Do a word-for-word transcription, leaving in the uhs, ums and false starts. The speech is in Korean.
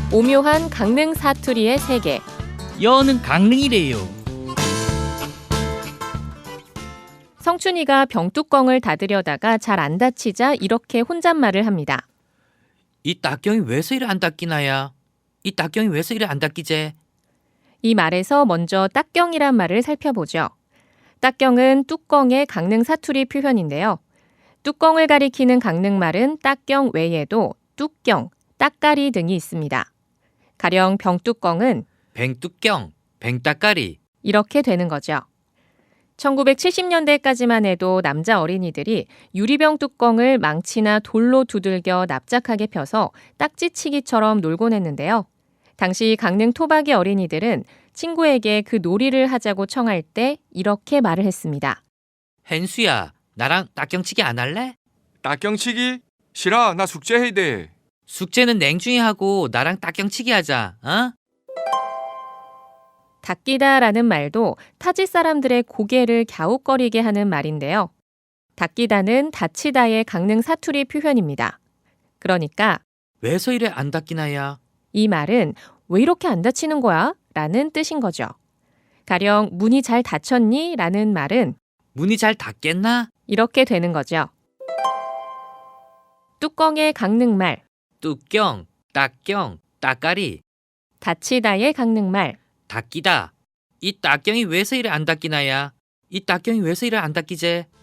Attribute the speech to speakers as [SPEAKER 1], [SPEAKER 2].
[SPEAKER 1] 오묘한 강릉 사투리의 세계.
[SPEAKER 2] 여는 강릉이래요.
[SPEAKER 1] 성춘이가 병뚜껑을 닫으려다가 잘 안 닫히자 이렇게 혼잣말을 합니다.
[SPEAKER 3] 이 닭경이 왜서 이래 안 닦이나야? 이 닭경이 왜서 이래 안 닦이제?
[SPEAKER 1] 이 말에서 먼저 딱경이란 말을 살펴보죠. 딱경은 뚜껑의 강릉 사투리 표현인데요. 뚜껑을 가리키는 강릉말은 딱경 외에도 뚜경, 따까리 등이 있습니다. 가령 병뚜껑은
[SPEAKER 3] 뱅뚜경, 뱅따까리.
[SPEAKER 1] 이렇게 되는 거죠. 천구백칠십 년대까지만 해도 남자 어린이들이 유리병 뚜껑을 망치나 돌로 두들겨 납작하게 펴서 딱지치기처럼 놀곤 했는데요. 당시 강릉 토박이 어린이들은 친구에게 그 놀이를 하자고 청할 때 이렇게 말을 했습니다.
[SPEAKER 3] 헨수야, 나랑 닭경치기 안 할래?
[SPEAKER 4] 닭경치기? 싫어, 나 숙제해야 돼.
[SPEAKER 3] 숙제는 냉중히 하고 나랑 닭경치기 하자, 어?
[SPEAKER 1] 닭기다라는 말도 타지 사람들의 고개를 갸웃거리게 하는 말인데요. 닭기다는 다치다의 강릉 사투리 표현입니다. 그러니까
[SPEAKER 3] 왜서 이래 안 닦이나야?
[SPEAKER 1] 이 말은 왜 이렇게 안 다치는 거야? 라는 뜻인 거죠. 가령 문이 잘 닫혔니? 라는 말은
[SPEAKER 3] 문이 잘 닫겠나?
[SPEAKER 1] 이렇게 되는 거죠. 뚜껑의 강릉말,
[SPEAKER 3] 뚜경, 닭경, 따까리,
[SPEAKER 1] 다치다의 강릉말,
[SPEAKER 3] 닦이다. 이 닭경이 왜서 이래 안 닦이나야? 이 닭경이 왜서 이래 안 닦이제?